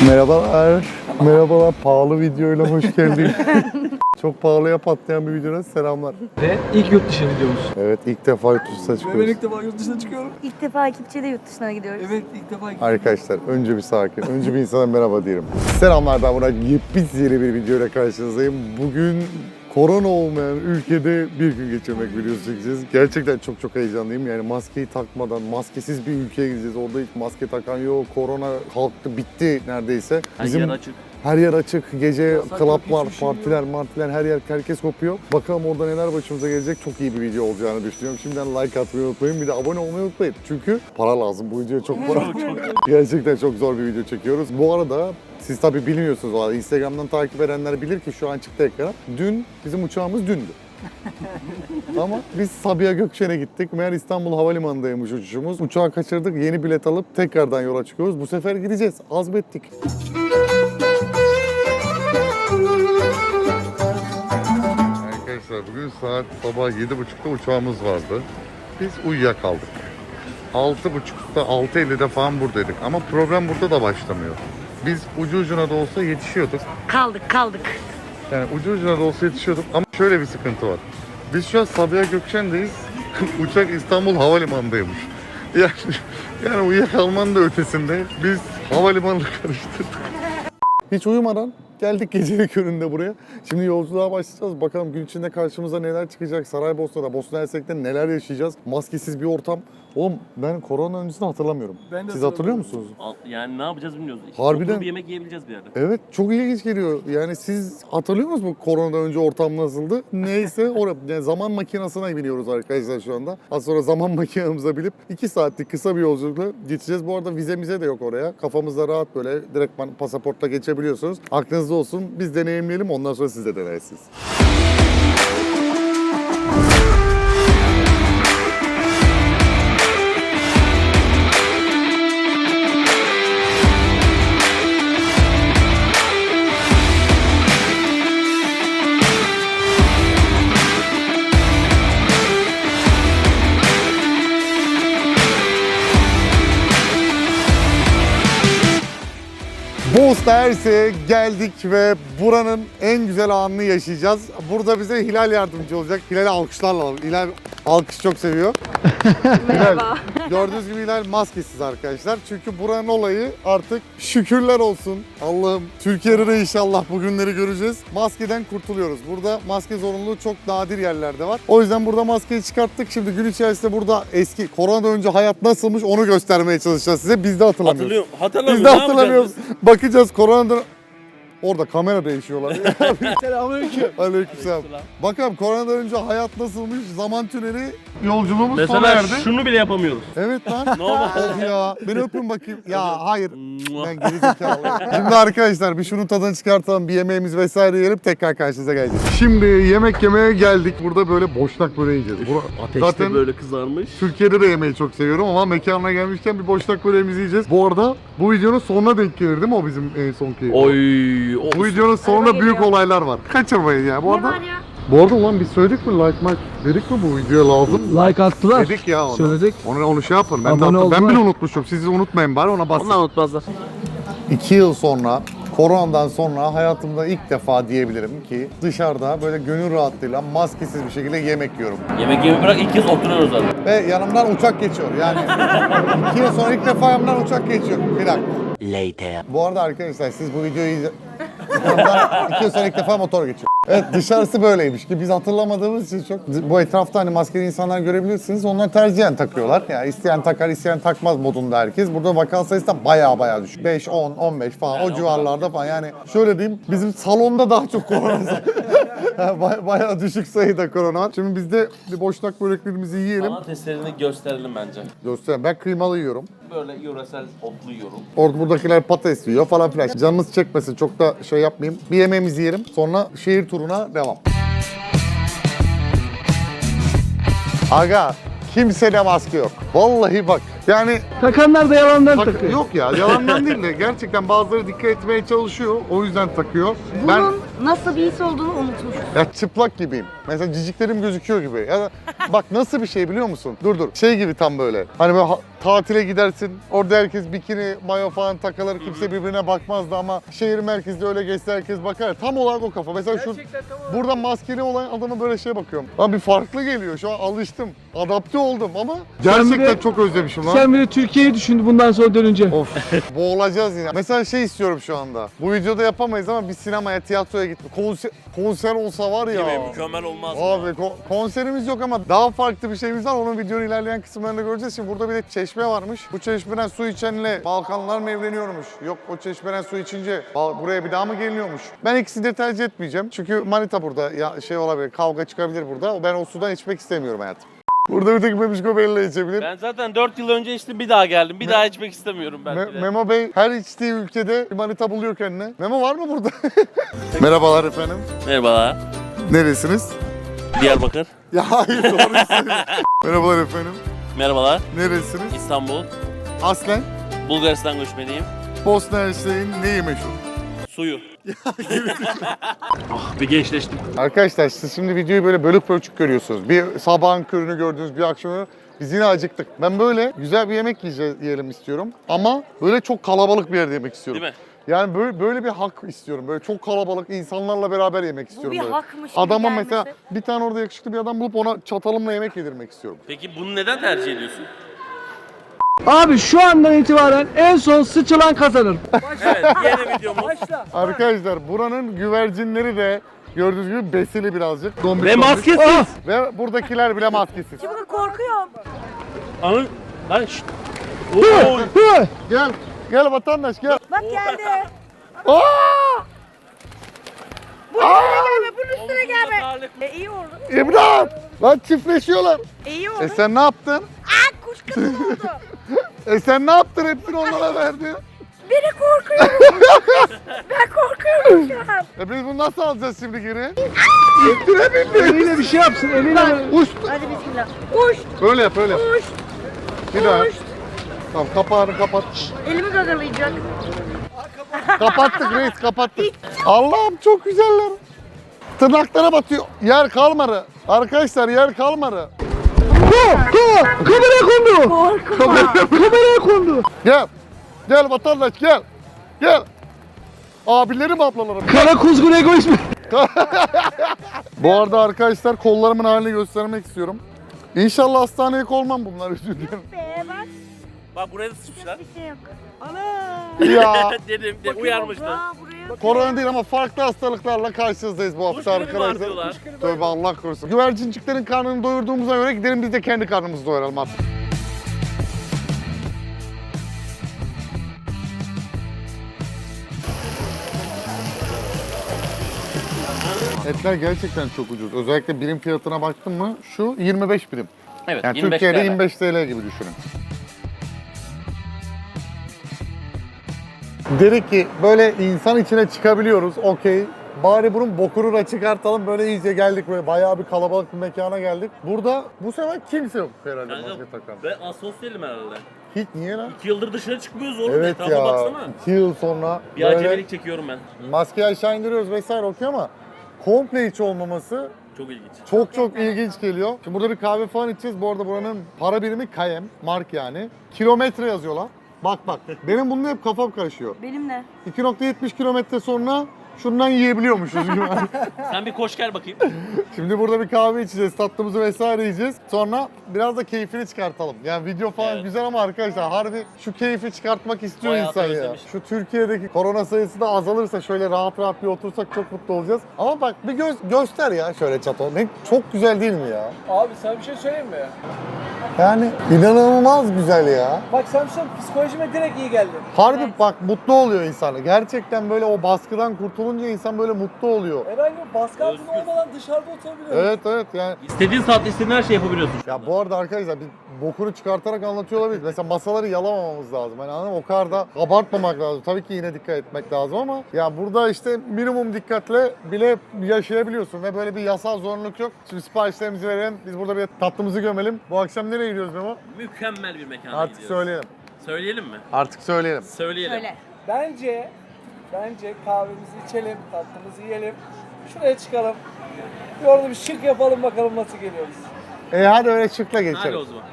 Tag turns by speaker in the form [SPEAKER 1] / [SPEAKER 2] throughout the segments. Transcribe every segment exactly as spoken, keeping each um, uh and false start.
[SPEAKER 1] Merhabalar. Merhabalar. Pahalı videoyla hoş geldin. Çok pahalıya patlayan bir videodan selamlar.
[SPEAKER 2] Ve ilk yurt dışı videomuz.
[SPEAKER 1] Evet, ilk defa yurt dışına
[SPEAKER 2] Ben
[SPEAKER 1] çıkıyoruz.
[SPEAKER 2] ilk defa yurt dışına çıkıyorum.
[SPEAKER 3] İlk defa ekipçe de yurt dışına gidiyoruz.
[SPEAKER 2] Evet ilk defa ilk
[SPEAKER 1] Arkadaşlar önce bir sakin. Önce bir insana merhaba diyelim. Selamlar, ben Burak. Yepyeni bir videoyla karşınızdayım. Bugün korona olmayan ülkede bir gün geçirmek videosu çekeceğiz. Gerçekten çok çok heyecanlıyım. Yani maskeyi takmadan, maskesiz bir ülkeye gideceğiz. Orada hiç maske takan yok. Korona kalktı, bitti neredeyse.
[SPEAKER 4] Bizim... Her yer açık.
[SPEAKER 1] Her yer açık. Gece
[SPEAKER 2] Yasak
[SPEAKER 1] klaplar,
[SPEAKER 2] yok, hiçbir şey
[SPEAKER 1] partiler, martiler, her yer herkes kopuyor. Bakalım orada neler başımıza gelecek. Çok iyi bir video olacağını düşünüyorum. Şimdiden like atmayı unutmayın. Bir de abone olmayı unutmayın. Çünkü para lazım. Bu videoya çok para. Gerçekten çok zor bir video çekiyoruz. Bu arada siz tabii bilmiyorsunuz o arada. Instagram'dan takip edenler bilir ki şu an çıktı ekrana. Dün bizim uçağımız dündü. Ama biz Sabiha Gökçen'e gittik. Meğer İstanbul Havalimanı'ndaymış uçuşumuz. Uçağı kaçırdık. Yeni bilet alıp tekrardan yola çıkıyoruz. Bu sefer gideceğiz. Azmettik. Arkadaşlar bugün saat sabah yedi buçukta uçağımız vardı. Biz uyuyakaldık. altı buçukta, altı ellide falan buradaydık. Ama problem burada da başlamıyor. Biz ucu ucuna da olsa yetişiyorduk.
[SPEAKER 3] Kaldık kaldık.
[SPEAKER 1] Yani ucu ucuna da olsa yetişiyorduk ama şöyle bir sıkıntı var. Biz şu an Sabiha Gökçen'deyiz. Uçak İstanbul Havalimanı'ndaymış. Yani, yani uyuyakalmanın da ötesinde biz havalimanını karıştırdık. Hiç uyumadan geldik gecenin köründe buraya. Şimdi yolculuğa başlayacağız. Bakalım gün içinde karşımıza neler çıkacak. Saraybosna'da, Bosna Hersek'te neler yaşayacağız. Maskesiz bir ortam. Oğlum ben korona öncesini hatırlamıyorum.
[SPEAKER 2] Ben de
[SPEAKER 1] Siz hatırlıyor musunuz?
[SPEAKER 4] Yani ne yapacağız bilmiyoruz.
[SPEAKER 1] Harbiden.
[SPEAKER 4] Oturup bir yemek yiyebileceğiz bir yerde.
[SPEAKER 1] Evet, çok ilginç geliyor. Yani siz hatırlıyor musunuz bu koronadan önce ortam nasıldı? Neyse oraya yani zaman makinesine biniyoruz arkadaşlar şu anda. Az sonra zaman makinemize binip iki saatlik kısa bir yolculukla geçeceğiz. Bu arada vizemize de yok oraya. Kafamızda rahat böyle direktman pasaportla geçebiliyorsunuz. Aklınızda olsun. Biz deneyimleyelim, ondan sonra siz de denersiniz. Bosna Hersek'e geldik ve buranın en güzel anını yaşayacağız. Burada bize Hilal yardımcı olacak. Hilal'i alkışlarla alalım. Hilal alkış çok seviyor. Merhaba. Gördüğünüz gibi Hilal maskesiz arkadaşlar. Çünkü buranın olayı artık şükürler olsun. Allah'ım Türkiye'de de inşallah bu günleri göreceğiz. Maskeden kurtuluyoruz. Burada maske zorunluluğu çok nadir yerlerde var. O yüzden burada maskeyi çıkarttık. Şimdi gün içerisinde burada eski koronadan önce hayat nasılmış onu göstermeye çalışacağız size. Biz de hatırlamıyoruz.
[SPEAKER 4] Hatırlıyorum. Hatırlamıyorum.
[SPEAKER 1] Biz de hatırlamıyoruz. Bakacağız koronadan... Orada kamera değişiyorlar.
[SPEAKER 2] Selamünaleyküm.
[SPEAKER 1] Aleykümselam. Bakalım koronadan önce hayat nasılmış, zaman tüneli yolculuğumuz sona
[SPEAKER 4] Mesela
[SPEAKER 1] erdi.
[SPEAKER 4] şunu bile yapamıyoruz.
[SPEAKER 1] Evet lan.
[SPEAKER 4] Normal.
[SPEAKER 1] Of ya. Beni öpün bakayım. Ya hayır. Ben geri zekalıyım. Şimdi arkadaşlar bir şunun tadını çıkartalım. Bir yemeğimiz vesaire yiyelim. Tekrar karşınıza geleceğiz. Şimdi yemek yemeye geldik. Burada böyle boşnak böreği yiyeceğiz. Bura-
[SPEAKER 4] Ateşte
[SPEAKER 1] Zaten
[SPEAKER 4] böyle kızarmış.
[SPEAKER 1] Türkiye'de de yemeği çok seviyorum ama mekanına gelmişken bir boşnak böreğimizi yiyeceğiz. Bu arada bu videonun sonuna denk gelir değil mi o bizim en sonki?
[SPEAKER 4] Oy. O...
[SPEAKER 1] Bu videonun sonunda
[SPEAKER 3] Araba
[SPEAKER 1] büyük
[SPEAKER 3] geliyor.
[SPEAKER 1] olaylar var. Kaçırmayın ya. Bu
[SPEAKER 3] Ne
[SPEAKER 1] arada
[SPEAKER 3] var ya?
[SPEAKER 1] Bu arada ulan biz söyledik mi like mark dedik mi bu videoya lazım?
[SPEAKER 2] Like attılar.
[SPEAKER 1] Dedik ya onu.
[SPEAKER 2] Söyledik.
[SPEAKER 1] Onu, onu şey yapın. Ben, de
[SPEAKER 2] Abone
[SPEAKER 1] attım. ben
[SPEAKER 2] oldular.
[SPEAKER 1] bile unutmuşum. Siz unutmayın bari ona basın.
[SPEAKER 4] Onlar unutmazlar.
[SPEAKER 1] İki yıl sonra, koronadan sonra hayatımda ilk defa diyebilirim ki dışarıda böyle gönül rahatlığıyla maskesiz bir şekilde yemek yiyorum.
[SPEAKER 4] Yemek yemeyi bırak ilk kez oturuyoruz zaten.
[SPEAKER 1] Ve yanımdan uçak geçiyor. Yani iki yıl sonra ilk defa yanımdan uçak geçiyor. Bir dakika.
[SPEAKER 4] Later.
[SPEAKER 1] Bu arada arkadaşlar siz bu videoyu izle... Yanımdan iki yıl sonra ilk defa motor geçiyor. Evet dışarısı böyleymiş ki biz hatırlamadığımız için çok... Bu etrafta hani maskeli insanlar görebilirsiniz. Onlar tercihen takıyorlar. Yani isteyen takar, isteyen takmaz modunda herkes. Burada vaka sayısı da baya baya düşük. beş, on, on beş falan o civarlarda falan. Yani şöyle diyeyim bizim salonda daha çok korona Baya, bayağı düşük sayıda korona var. Şimdi biz de bir boşnak böreklerimizi yiyelim.
[SPEAKER 4] Bana testlerini gösterelim bence.
[SPEAKER 1] Göstereyim. Ben kıymalı yiyorum.
[SPEAKER 4] Böyle yöresel otlu yiyorum.
[SPEAKER 1] Orada buradakiler patates yiyor falan filan. Canımız çekmesin çok da şey yapmayayım. Bir yemeğimizi yiyelim. Sonra şehir turuna devam. Aga kimsede maske yok. Vallahi bak. Yani
[SPEAKER 2] Takanlar da yalandan
[SPEAKER 1] tak-
[SPEAKER 2] takıyor.
[SPEAKER 1] yok ya yalandan değil de gerçekten bazıları dikkat etmeye çalışıyor. O yüzden takıyor.
[SPEAKER 3] Bunun
[SPEAKER 1] Ben
[SPEAKER 3] Nasıl bir his olduğunu unutmuş.
[SPEAKER 1] Ya çıplak gibiyim. Mesela ciciklerim gözüküyor gibi. Ya da bak nasıl bir şey biliyor musun? Dur dur. Şey gibi tam böyle. Hani böyle ha- tatile gidersin. Orada herkes bikini, mayo falan takılır. Kimse birbirine bakmazdı ama şehir merkezde öyle geçse herkes bakar. Tam olarak o kafa. Mesela şu burada maskeli olan adama böyle şey bakıyorum. Lan bir farklı geliyor. Şu an alıştım. Adapte oldum ama gerçekten
[SPEAKER 2] Sen bir de-
[SPEAKER 1] çok özlemişim lan.
[SPEAKER 2] Sen bir de Türkiye'yi düşündü bundan sonra dönünce.
[SPEAKER 1] Of, boğulacağız yine. Mesela şey istiyorum şu anda. Bu videoda yapamayız ama bir sinemaya, tiyatroya gitme. Konser, konser olsa var ya.
[SPEAKER 4] Değil mi? Mükemmel olmaz mı?
[SPEAKER 1] Abi ko- konserimiz yok ama daha farklı bir şeyimiz var. Onun videonun ilerleyen kısımlarında göreceğiz. Şimdi burada bir de çeşme varmış. Bu çeşmeden su içenle Balkanlar mı evleniyormuş? Yok, o çeşmeden su içince Bal- buraya bir daha mı geliniyormuş? Ben ikisini de tercih etmeyeceğim. Çünkü manita burada. Ya şey olabilir, kavga çıkabilir burada. Ben o sudan içmek istemiyorum hayatım. Burada bir tek Bebişko Bey'le içebilir.
[SPEAKER 4] Ben zaten dört yıl önce içtim, bir daha geldim. Bir
[SPEAKER 1] Me-
[SPEAKER 4] daha içmek istemiyorum belki
[SPEAKER 1] Me-
[SPEAKER 4] de.
[SPEAKER 1] Memo Bey her içtiği ülkede bir manita buluyor kendine. Memo var mı burada? Merhabalar efendim.
[SPEAKER 4] Merhabalar.
[SPEAKER 1] Neresiniz?
[SPEAKER 4] Diyarbakır.
[SPEAKER 1] Ya hayır doğru söylüyorsun. Merhabalar efendim.
[SPEAKER 4] Merhabalar.
[SPEAKER 1] Neresiniz?
[SPEAKER 4] İstanbul.
[SPEAKER 1] Aslen
[SPEAKER 4] Bulgaristan göçmeniyim.
[SPEAKER 1] Bosna Hersek'in neyi meşhur?
[SPEAKER 4] Suyu. Ah, bir gençleştim.
[SPEAKER 1] Arkadaşlar siz şimdi videoyu böyle bölük pörçük görüyorsunuz. Bir sabahın körünü gördünüz, bir akşamı. Biz yine acıktık. Ben böyle güzel bir yemek yiyeceğiz, yiyelim istiyorum. Ama böyle çok kalabalık bir yerde yemek istiyorum.
[SPEAKER 4] Değil mi?
[SPEAKER 1] Yani böyle, böyle bir hak istiyorum. Böyle çok kalabalık insanlarla beraber yemek istiyorum.
[SPEAKER 3] bir
[SPEAKER 1] böyle.
[SPEAKER 3] hakmış gibi
[SPEAKER 1] Adama
[SPEAKER 3] gelmesi.
[SPEAKER 1] mesela bir tane orada yakışıklı bir adam bulup ona çatalımla yemek yedirmek istiyorum.
[SPEAKER 4] Peki bunu neden tercih ediyorsun?
[SPEAKER 2] Abi şu andan itibaren en son sıçılan kazanır.
[SPEAKER 4] Evet, yeni videomuz.
[SPEAKER 1] Arkadaşlar buranın güvercinleri de gördüğünüz gibi besili birazcık. Dombik
[SPEAKER 4] Ve
[SPEAKER 1] dombik.
[SPEAKER 4] maskesiz.
[SPEAKER 2] Ah!
[SPEAKER 1] Ve buradakiler bile maskesiz.
[SPEAKER 3] Şimdi korkuyorum.
[SPEAKER 4] Anın. Lan şşt. Oo.
[SPEAKER 2] Hı!
[SPEAKER 1] Gel, gel vatandaş gel.
[SPEAKER 3] Bak geldi.
[SPEAKER 1] Aa!
[SPEAKER 3] Bunun üstüne gelme, bunun üstüne gelme.
[SPEAKER 4] Talip.
[SPEAKER 3] E, iyi oldu.
[SPEAKER 1] İmdat! Lan çiftleşiyorlar.
[SPEAKER 3] E, iyi oldu.
[SPEAKER 1] E sen ne yaptın?
[SPEAKER 3] Aa, kuş kadın oldu.
[SPEAKER 1] E sen ne yaptın? Hepsini onlara verdin.
[SPEAKER 3] Beni korkuyorum. Ben korkuyorum şu an.
[SPEAKER 1] E biz bunu nasıl alacağız şimdi geri?
[SPEAKER 2] Eliyle bir şey yapsın eliyle.
[SPEAKER 1] Uç.
[SPEAKER 3] Hadi bismillah. Kuş,
[SPEAKER 1] Böyle yap, öyle yap.
[SPEAKER 3] kuş,
[SPEAKER 1] Bir daha.
[SPEAKER 3] kuş.
[SPEAKER 1] Tamam kapağını kapat.
[SPEAKER 3] Elimi gagalayacak.
[SPEAKER 1] Kapattık reis, kapattık. Allah'ım çok güzeller. Tırnaklara batıyor. Yer kalmadı. Arkadaşlar yer kalmadı.
[SPEAKER 2] Hı! Hı! Kameraya kondu.
[SPEAKER 3] Korkma.
[SPEAKER 2] Kameraya kondu.
[SPEAKER 1] Gel. Gel vatandaş gel. Gel. Abilerim ablalarım.
[SPEAKER 2] Kara kuzgun egoist mi?
[SPEAKER 1] Bu arada arkadaşlar kollarımın halini göstermek istiyorum. İnşallah hastaneye kolmam bunlar, özür dilerim.
[SPEAKER 3] Be bak,
[SPEAKER 4] Bak buraya da sıçmışlar.
[SPEAKER 3] bir şey yok.
[SPEAKER 1] Ya
[SPEAKER 4] Dedim, de uyarmıştım.
[SPEAKER 3] Aa, buraya.
[SPEAKER 1] korona değil ama farklı hastalıklarla karşınızdayız bu hafta
[SPEAKER 4] Kuş gribi var
[SPEAKER 1] arkadaşlar.
[SPEAKER 4] diyorlar.
[SPEAKER 1] Tövbe Allah korusun. Güvercinciklerin karnını doyurduğumuza göre gidelim biz de kendi karnımızı doyuralım artık. Etler gerçekten çok ucuz. Özellikle birim fiyatına baktın mı şu yirmi beş birim.
[SPEAKER 4] Evet,
[SPEAKER 1] Yani
[SPEAKER 4] yirmi beş
[SPEAKER 1] Türkiye'de
[SPEAKER 4] T L.
[SPEAKER 1] yirmi beş T L gibi düşünün. Dedik ki böyle insan içine çıkabiliyoruz, okey. Bari bunun bokunu da çıkartalım. Böyle iyice geldik, böyle bayağı bir kalabalık bir mekana geldik. Burada bu sefer kimse yok herhalde
[SPEAKER 4] Kanka,
[SPEAKER 1] maske takan.
[SPEAKER 4] ben asosyalim herhalde.
[SPEAKER 1] Hiç niye lan?
[SPEAKER 4] İki yıldır dışarı çıkmıyoruz oğlum.
[SPEAKER 1] Evet
[SPEAKER 4] Etrafa
[SPEAKER 1] ya,
[SPEAKER 4] baksana.
[SPEAKER 1] iki yıl sonra
[SPEAKER 4] Bir
[SPEAKER 1] böyle
[SPEAKER 4] acemilik çekiyorum ben.
[SPEAKER 1] maskeyi aşağı indiriyoruz vesaire okey ama komple hiç olmaması
[SPEAKER 4] Çok ilginç.
[SPEAKER 1] çok çok ilginç geliyor. Şimdi burada bir kahve falan içeceğiz. Bu arada buranın para birimi K M, mark yani. Kilometre yazıyorlar. Bak bak, benim bununla hep kafam karışıyor.
[SPEAKER 3] Benimle.
[SPEAKER 1] iki nokta yetmiş kilometre sonra şundan yiyebiliyormuşuz gibi.
[SPEAKER 4] Sen bir koş gel bakayım.
[SPEAKER 1] Şimdi burada bir kahve içeceğiz, tatlımızı vesaire yiyeceğiz. Sonra biraz da keyfini çıkartalım. Yani video falan
[SPEAKER 4] Evet.
[SPEAKER 1] güzel ama arkadaşlar harbi şu keyfi çıkartmak istiyor
[SPEAKER 4] Bayağı
[SPEAKER 1] insan ya.
[SPEAKER 4] özlemiş.
[SPEAKER 1] Şu Türkiye'deki korona sayısı da azalırsa şöyle rahat rahat bir otursak çok mutlu olacağız. Ama bak bir göz göster ya şöyle çato. Ne çok güzel değil mi ya?
[SPEAKER 2] Abi sana bir şey söyleyeyim mi?
[SPEAKER 1] Yani inanılmaz güzel ya.
[SPEAKER 2] Bak Samsun psikolojime direkt iyi geldi.
[SPEAKER 1] Harbi
[SPEAKER 3] Evet.
[SPEAKER 1] bak mutlu oluyor insan. Gerçekten böyle o baskıdan kurtulunca insan böyle mutlu oluyor.
[SPEAKER 2] Herhangi bir baskı altında
[SPEAKER 4] Özgür.
[SPEAKER 2] olmadan dışarıda oturabiliyorum.
[SPEAKER 1] Evet evet yani.
[SPEAKER 4] İstediğin saatte istediğin her şeyi yapabiliyorsun.
[SPEAKER 1] Ya bu arada arkadaşlar biz bokunu çıkartarak anlatıyor olabiliriz. Mesela masaları yalamamamız lazım. Hani anladın mı? O kadar da abartmamak lazım. Tabii ki yine dikkat etmek lazım ama ya burada işte minimum dikkatle bile yaşayabiliyorsun ve böyle bir yasal zorunluluk yok. Şimdi siparişlerimizi verelim. Biz burada bir tatlımızı gömelim. Bu akşam nereye gidiyoruz Memo?
[SPEAKER 4] Mükemmel bir mekana
[SPEAKER 1] Artık
[SPEAKER 4] gidiyoruz.
[SPEAKER 1] söyleyelim.
[SPEAKER 4] Söyleyelim mi?
[SPEAKER 1] Artık söyleyelim.
[SPEAKER 4] Söyleyelim.
[SPEAKER 3] Söyle.
[SPEAKER 2] Bence Bence kahvemizi içelim, tatlımızı yiyelim. Şuraya çıkalım. Bir orada bir şık yapalım bakalım nasıl geliyoruz.
[SPEAKER 1] E hadi öyle çıkla
[SPEAKER 4] Hadi
[SPEAKER 1] geçelim.
[SPEAKER 4] o zaman.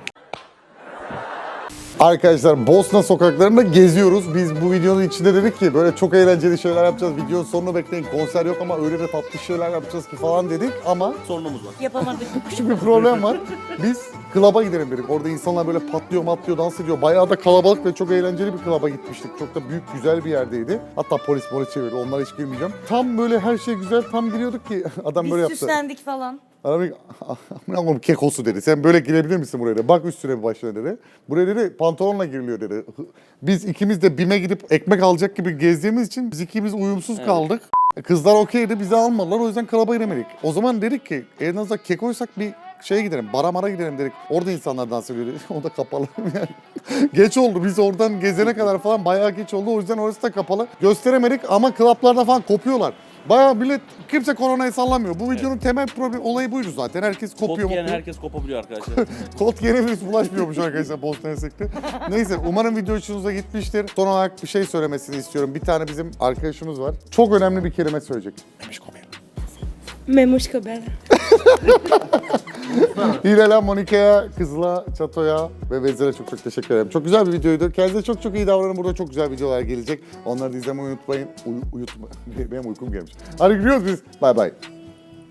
[SPEAKER 1] Arkadaşlar Bosna sokaklarında geziyoruz. Biz bu videonun içinde dedik ki böyle çok eğlenceli şeyler yapacağız. Videonun sonunu bekleyin. Konser yok ama öyle de tatlı şeyler yapacağız ki falan dedik. Ama
[SPEAKER 4] Sorunumuz var.
[SPEAKER 3] Yapamadık.
[SPEAKER 1] küçük bir problem var. Biz klaba gidelim dedik. Orada insanlar böyle patlıyor, matlıyor, dans ediyor. Bayağı da kalabalık ve çok eğlenceli bir klaba gitmiştik. Çok da büyük, güzel bir yerdeydi. Hatta polis polis çevirdi. Onlara hiç girmeyeceğim. Tam böyle her şey güzel. Tam giriyorduk ki adam
[SPEAKER 3] Biz
[SPEAKER 1] böyle yaptı.
[SPEAKER 3] süslendik falan.
[SPEAKER 1] Adam dedi, "Amına koyayım kekosu" dedi. Sen böyle girebilir misin buraya dedi. Bak üstüne bir başına dedi. Buraya dedi pantolonla giriliyor dedi. Biz ikimiz de BİM'e gidip ekmek alacak gibi gezdiğimiz için biz ikimiz uyumsuz kaldık. Kızlar okeydi, bizi almadılar, o yüzden klaba giremedik. O zaman dedik ki en azından kekoysak bir şeye gidelim, bara mara gidelim dedik. Orada insanlar dans ediyor dedi. O da kapalı yani. Geç oldu, biz oradan gezene kadar falan bayağı geç oldu. O yüzden orası da kapalı. Gösteremedik ama klaplarda falan kopuyorlar. Bayağı millet, kimse koronayı sallamıyor. Bu videonun temel problem olayı buydu zaten. Herkes
[SPEAKER 4] Kot
[SPEAKER 1] kopuyor.
[SPEAKER 4] giyen
[SPEAKER 1] mopuyor.
[SPEAKER 4] herkes kopabiliyor arkadaşlar.
[SPEAKER 1] Kot yeni virüs bulaşmıyormuş arkadaşlar Bosna Hersek'te. Neyse umarım video hoşunuza gitmiştir. Son olarak bir şey söylemesini istiyorum. Bir tane bizim arkadaşımız var. Çok önemli bir kelime söyleyecek. Memişko Bey.
[SPEAKER 3] Memoşka ben.
[SPEAKER 1] Hilal'e, Monika'ya, Kızıl'a, Çato'ya ve Vezir'e çok çok teşekkür ederim. Çok güzel bir videoydu. Kendinize çok çok iyi davranın. Burada çok güzel videolar gelecek. Onları da izlemeyi unutmayın. Uy- uyutma. Benim uykum gelmiş. Hadi gidiyoruz biz. Bay bay.